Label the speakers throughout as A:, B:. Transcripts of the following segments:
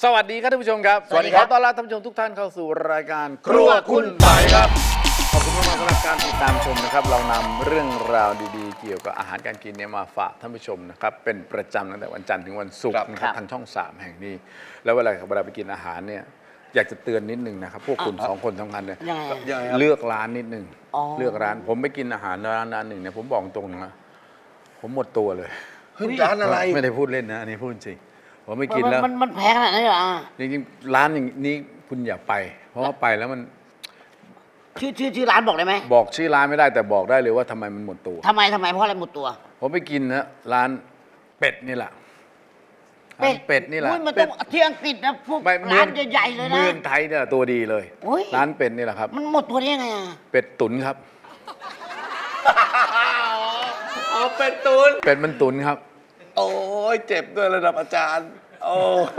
A: สวัสดีครับท่านผู้ชมครับ
B: สวัสดีครับ
A: ขอต้อนรับท่านผู้ชมทุกท่านเข้าสู่รายการครัวคุณไต่ครับขอบคุณมากๆสำหรับการติดตามชมนะครับเรานำเรื่องราวดีๆเกี่ยวกับอาหารการกินเนี่ยมาฝากท่านผู้ชมนะครับเป็นประจำตั้งแต่วันจันทร์ถึงวันศุกร์นะครับทางช่อง 3 แห่งนี้แล้วเวลาไปกินอาหารเนี่ยอยากจะเตือนนิดนึงนะครับพวกคุณ2 คนสำคัญเนี่ยเลือกร้านนิดนึงเลือกร้านผมไปกินอาหารร้านหนึ่งเนี่ยผมบอกตรงนะผมหมดตัวเลย
B: ร้านอะไร
A: ไม่ได้พูดเล่นนะอันนี้พูดจริงผมไม่กินแล้ว
C: มันแพงขนาดนั้นเหรอ
A: จริงๆร้านอย่างนี้คุณอย่าไปเพราะว่าไปแล้วมัน
C: ชื่อร้านบอกได้ไหม
A: บอกชื่อร้านไม่ได้แต่บอกได้เลยว่าทำไมมันหมดตัว
C: ทำไมเพราะอะไรหมดตัว
A: ผมไปกินนะร้านเป็ดนี่แหละเป็ดนี่แหละ
C: มันต้องที่อังกฤษนะพวกร้านใหญ่ๆเลยนะ
A: เมืองไทยเนี่ยตัวดีเลยร้านเป็ดนี่แหละครับ
C: มันหมดตัวได้ยังไงอ่ะ
A: เป็ดตุ๋นครับ
B: เอาเป็ดตุ๋น
A: เป็ดมันตุ๋นครับ
B: โอ้ยเจ็บด้วยระดับอาจารย์โอ้โห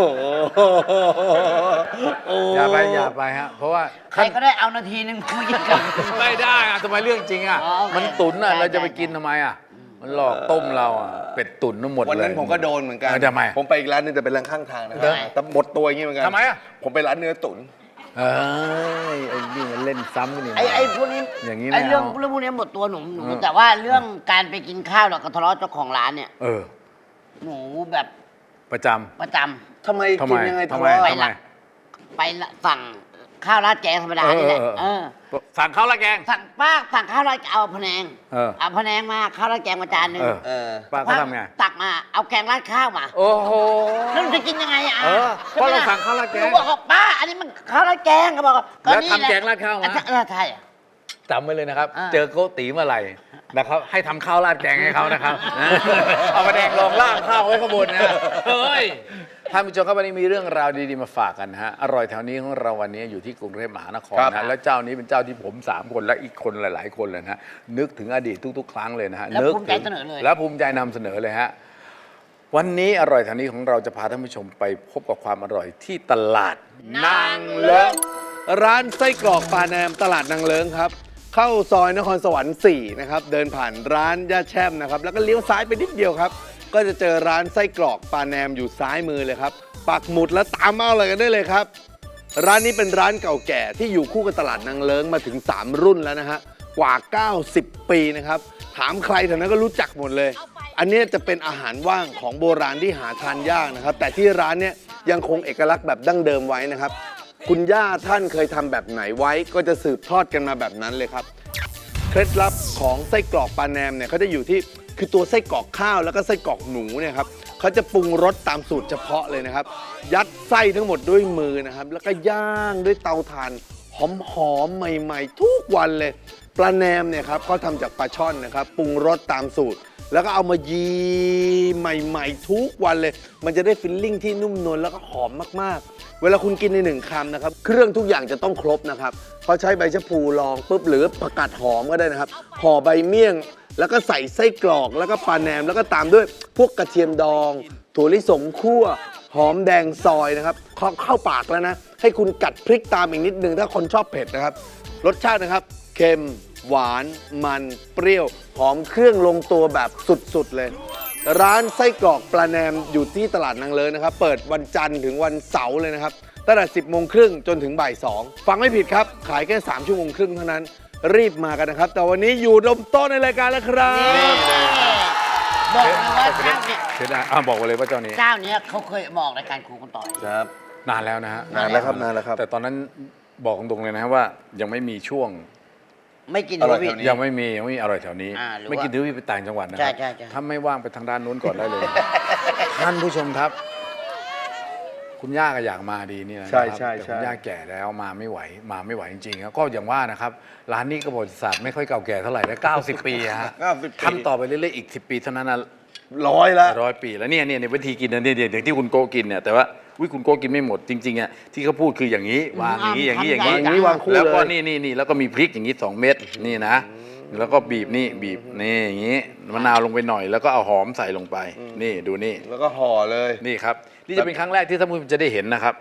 A: อย่าไปฮะเพราะว่า
C: ใครก็ได้เอานาทีนึงคุยกัน
A: ไม่ได้อะทำไมเรื่องจริงอ่ะมันตุ๋นอ่ะเราจะไปกินทำไมอ่ะมันหลอกต้มเราอ่ะเป็ดตุ๋นทั้งหมดเลย
B: วันนั้นผมก็โดนเหมือนกัน
A: ทำไม
B: ผมไปอีกร้านนึงแต่เป็นร้านข้างทางนะครับแต่หมดตัวอย่างนี้เหมือนกัน
A: ทำไมอ่ะ
B: ผมไปร้านเนื้อตุ๋น
A: ไอ้นี่มันเล่นซ้ำกันนี่
C: ไอ้พวกนี้
A: อย่างนี้
C: ไอ้เรื่องพวกนี้หมดตัวหนูแต่ว่าเรื่องการไปกินข้าวเราก็ทะเลาะเจ้าของร้านเนี่ยหนูแบบ
A: ประจ
C: ำ
B: ทำไมกินยังไงทำไม
C: ไปสั่งข้าวราดแกงธรรมดานี่แหละ
A: สั่งข้าวราดแกง
C: สั่งข้าวราดเอาพะแนงเอาพะแนงมาข้าวราดแกงมาจานนึง
A: ป้าเขาทำไง
C: ตักมาเอาแกงราดข้าวมา
A: โอ้โห
C: แล้วจะกินยังไงอ่ะ
A: เพราะเราสั่งข้าวราดแกง
C: บอกว่าป้าอันนี้มันข้าวราดแกงเขาบอก
A: แล้วทำแกงราดข้าวมา
C: ใช่
A: จำไว้เลยนะครับเจอโกตีเมื่อไหร่นะครับให้ทำข้าวราดแกงให้เขานะครับเอามาแดกรองล่างข้าวไว้ข้างบนนะเฮ้ยท่านผู้ชมครับวันนี้มีเรื่องราวดีๆมาฝากกันฮะอร่อยแถวนี้ของเราวันนี้อยู่ที่กรุงเทพมหานครนะแล้วเจ้านี้เป็นเจ้าที่ผม3 คนและอีกคนหลายๆคนเลยนะนึกถึงอดีตทุกๆครั้งเลยนะฮะ
C: แล้วภูมิใจเสนอเลย
A: แล้วภูมิใจนำเสนอเลยฮะวันนี้อร่อยแถวนี้ของเราจะพาท่านผู้ชมไปพบกับความอร่อยที่ตลาดนางเลิ้ง
B: ร้านไส้กรอกปลาแนมตลาดนางเลิ้งครับเข้าซอยนครสวรรค์4นะครับเดินผ่านร้านย่าแช่มนะครับแล้วก็เลี้ยวซ้ายไปนิดเดียวครับก็จะเจอร้านไส้กรอกปลาแนมอยู่ซ้ายมือเลยครับปักหมุดแล้วตามมาเลยกันได้เลยครับร้านนี้เป็นร้านเก่าแก่ที่อยู่คู่กับตลาดนางเลิ้งมาถึง3 รุ่นแล้วนะฮะกว่า90 ปีนะครับถามใครแถวนั้นก็รู้จักหมดเลยอันนี้จะเป็นอาหารว่างของโบราณที่หาทานยากนะครับแต่ที่ร้านเนี้ยยังคงเอกลักษณ์แบบดั้งเดิมไว้นะครับคุณย่าท่านเคยทำแบบไหนไว้ก็จะสืบทอดกันมาแบบนั้นเลยครับเคล็ดลับของไส้กรอกปลาแนมเนี่ยเขาจะอยู่ที่คือตัวไส้กรอกข้าวแล้วก็ไส้กรอกหนูเนี่ยครับเขาจะปรุงรสตามสูตรเฉพาะเลยนะครับยัดไส้ทั้งหมดด้วยมือนะครับแล้วก็ย่างด้วยเตาถ่านหอมๆใหม่ๆทุกวันเลยปลาแนมเนี่ยครับเขาทำจากปลาช่อนนะครับปรุงรสตามสูตรแล้วก็เอามายีใหม่ๆทุกวันเลยมันจะได้ฟิลลิ่งที่นุ่มนวลแล้วก็หอมมากๆเวลาคุณกินใน1 คำนะครับเครื่องทุกอย่างจะต้องครบนะครับเขาใช้ใบชะพูรองปุ๊บหรือผักกาดหอมก็ได้นะครับห่อใบเมี่ยงแล้วก็ใส่ไส้กรอกแล้วก็ปลาแหนมแล้วก็ตามด้วยพวกกระเทียมดองถั่วลิสงคั่วหอมแดงซอยนะครับเข้าปากแล้วนะให้คุณกัดพริกตามอีกนิดนึงถ้าคนชอบเผ็ดนะครับรสชาตินะครับเค็มหวานมันเปรี้ยวหอมเครื่องลงตัวแบบสุดๆเลยร้านไส้กรอกปลาแหนมอยู่ที่ตลาดนางเลิ้งนะครับเปิดวันจันทร์ถึงวันเสาร์เลยนะครับตั้งแต่10 โมงครึ่งจนถึงบ่าย 2ฟังไม่ผิดครับขายแค่3 ชั่วโมงครึ่งเท่านั้นรีบมากันนะครับแต่วันนี้อยู่ดมโต๊ะในรายการแล้วครับ
C: บอกเลยว่าเจ้าเนี่ย
A: บอกเลยว่าเจ้านี้
C: เขาเคยบอกรายการครูคนต่อย
A: ครับนานแล้วนะฮะ
B: นานแล้วครับ
A: แต่ตอนนั้นบอกตรงๆเลยนะว่ายังไม่มีช่วง
C: ไม่กิน
A: ทิวยังไม่มีอร่อยแถวนี้ไม่กินทิวไปต่างจังหวัดนะครับถ้าไม่ว่างไปทางด้านนู้นก่อนได้เลยท่านผู้ชมครับคุณย่าก็อยากมาดีนี่นะครับแต่คุณย่าแก่แล้วมาไม่ไหวจริงๆก็อย่างว่านะครับร้านนี้ก็ประวัติศาสตร์ไม่ค่อยเก่าแก่เท่าไหร่แล้ว90 ปีฮะทำต่อไปเรื่อยๆอีก10 ปีเท่านั้นนะ100 ปีแล้วเนี่ยวิธีกินเนี่ยอย่างที่คุณโกกินเนี่ยแต่ว่าคุณโกกินไม่หมดจริงๆอ่ะที่เขาพูดคืออย่างนี้วางอย่างนี้
B: วางคู่
A: แล้วก็นี่แล้วก็มีพริกอย่างนี้2 เม็ดนี่นะแล้วก็บีบนี่อย่างนี้มะนาวลงไปหน่อยแล้วก็เอาหอมใส่ลงไปนี่ดูนี่
B: แล้วก็ห่อเลย
A: นี่ครับนี่จะเป็นครั้งแรกที่ท่านผู้ชมจะได้เห็นนะครับ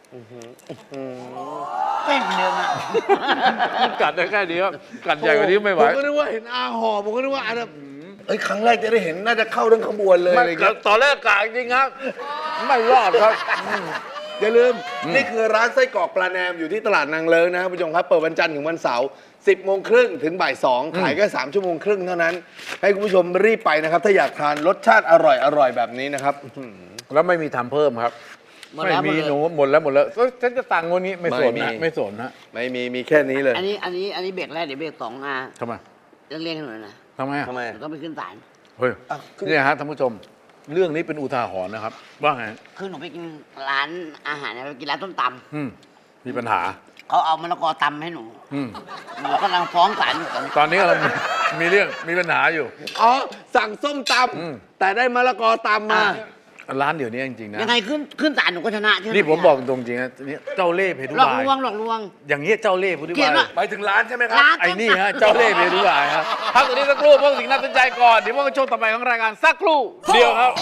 C: เป็นเนื้อมา
A: กัดได้แค่นี้กัดใหญ่กว่านี้ไม่ไหว
B: ผมก็นึกว่าเห็นห่อผมก็นึกว่าครั้งแรกจะได้เห็นน่าจะเข้าทั้งขบวนเลย
A: ตอนแรกกะจริงครับไม่รอดครับ
B: อย่าลืมนี่คือร้านไส้กรอกปลาแนมอยู่ที่ตลาดนางเลิ้งนะครับผู้ชมครับเปิดวันจันทร์ถึงวันเสาร์ 10 โมงครึ่งถึงบ่าย 2 ขายแค่3 ชั่วโมงครึ่งเท่านั้น ให้คุณผู้ชมรีบไปนะครับ ถ้าอยากทานรสชาติอร่อยแบบนี้นะครับ
A: แล้วไม่มีทำเพิ่มครับ
C: หมดแล้ว
A: ไม่มี
C: หมดเลย
A: หนูหมดแล้วฉันจะสั่งวันนี้ไม่สน
B: ไม่
A: นะ
B: มี
A: ไม่สนนะ
B: ไม่มีแค่นี้เลย
C: อันนี้เบรกแรกเดี๋ยวเบรก2อ่ะ
A: ทำไม
C: เรื่องให้หน่อยนะ
A: ทำไมอะ
B: ทำไม
C: เดี๋ยวต้องไปขึ้นศาล
A: เฮ้ย
B: อ่ะคือ
A: เนี่ยฮะท่านผู้ชมเรื่องนี้เป็นอุทาหรณ์นะครับว่าไง
C: คือหนูไปกินร้านอาหารเนี่ยไปกินร้านส้มต
A: มีปัญหา
C: ำเขาเอามะละกอตำให้หนู
A: อืม
C: หนูกำลังฟ้องศาลอยู่ตอนนี้
A: ตอนนี้เรามีเรื่องมีปัญหาอยู่
B: อ๋อสั่งส้มต
A: อืม
B: ำแต่ได้มะละกอตำมา
A: ร้านเดี๋ยวนี้จริงๆนะ
C: ยังไงขึ้นศาลหนูก็ชนะใช่ไหม
A: นี่ผมบอกตรงจริงนะนี่เจ้าเล่ห์เพทุ
C: หลอก
A: บาย
C: ลวงหลอกลวง
A: อย่างเงี้ยเจ้าเล่ห์เพทุ
C: เกลีย
A: บา
C: ด
A: ย
C: ว่ะ
B: ไปถึงร้านใช่ไหมครับ
C: ร้าน
A: ไอ้นี่ฮะเจ้าเล่ห์เพทุบายครับพักตรงนี้สักครู่พวกสิ่งน่าสนใจก่อนเดี๋ยวพวกช่วงต่อไปของรายการสักครู่เดียวครับ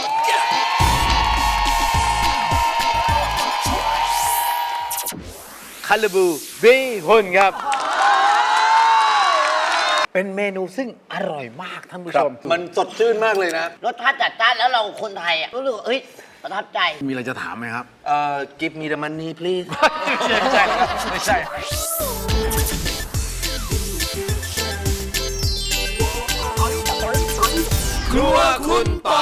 A: คาราบูเบคอนครับ เป็นเมนูซึ่งอร่อยมากท่านผู้ชม
B: มันสดชื่นมากเลยนะ
C: รสชาติจัดจ้านแล้วเราคนไทยอ่ะรู้สึกว่าเอ้ยประทับใจ
A: มีอะไรจะถามไหมครับ
B: give me the money please
A: ไม่ใช่
B: ครัวคุณปอ